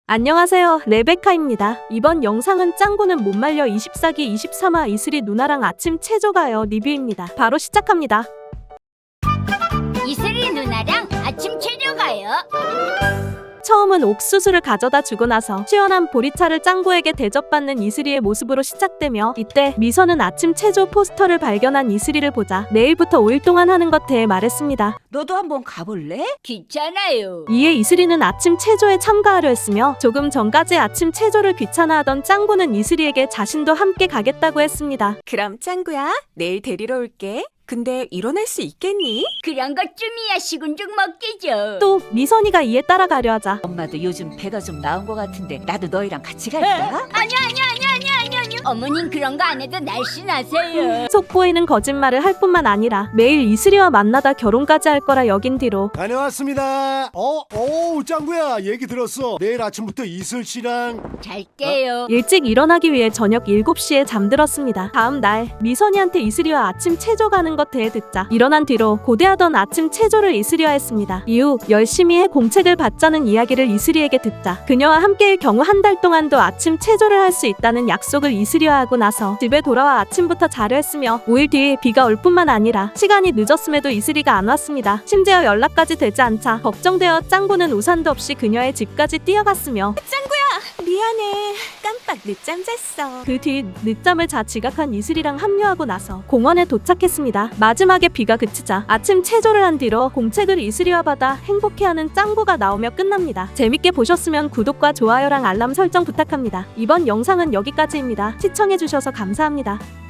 안녕하세요, 레베카입니다. 이번 영상은 짱구는 못 말려 24기 23화 이슬이 누나랑 아침 체조가요 리뷰입니다. 바로 시작합니다. 이슬이 누나랑 아침 체조 가요. 처음은 옥수수를 가져다 주고 나서 시원한 보리차를 짱구에게 대접받는 이슬이의 모습으로 시작되며, 이때 미선은 아침 체조 포스터를 발견한 이슬이를 보자 내일부터 5일 동안 하는 것 대해 말했습니다. 너도 한번 가볼래? 귀찮아요. 이에 이슬이는 아침 체조에 참가하려 했으며, 조금 전까지 아침 체조를 귀찮아하던 짱구는 이슬이에게 자신도 함께 가겠다고 했습니다. 그럼 짱구야, 내일 데리러 올게. 근데 일어날 수 있겠니? 그런 것쯤이야 시군죽 먹기죠. 또 미선이가 이에 따라가려 하자 엄마도 요즘 배가 좀 나온 것 같은데 나도 너희랑 같이 갈까? 아니요. 어머님 그런 거 안 해도 날씬하세요. 속보이는 거짓말을 할 뿐만 아니라 매일 이슬이와 만나다 결혼까지 할 거라 여긴 뒤로 다녀왔습니다. 짱구야, 얘기 들었어. 내일 아침부터 이슬 씨랑 잘게요. 일찍 일어나기 위해 저녁 7시에 잠들었습니다. 다음 날 미선이한테 이슬이와 아침 체조 가는 것 대해 듣자 일어난 뒤로 고대하던 아침 체조를 이슬이와 했습니다. 이후 열심히 해 공책을 받자는 이야기를 이슬이에게 듣자 그녀와 함께일 경우 한 달 동안도 아침 체조를 할 수 있다는 약속을 이슬이와 하고 나서 집에 돌아와 아침부터 자려 했으며, 5일 뒤에 비가 올 뿐만 아니라 시간이 늦었음에도 이슬이가 안 왔습니다. 심지어 연락까지 되지 않자 걱정되어 짱구는 우산도 없이 그녀의 집까지 뛰어갔으며, 미안해. 깜빡 늦잠 잤어. 그 뒤 늦잠을 자 지각한 이슬이랑 합류하고 나서 공원에 도착했습니다. 마지막에 비가 그치자 아침 체조를 한 뒤로 공책을 이슬이와 받아 행복해하는 짱구가 나오며 끝납니다. 재밌게 보셨으면 구독과 좋아요랑 알람 설정 부탁합니다. 이번 영상은 여기까지입니다. 시청해주셔서 감사합니다.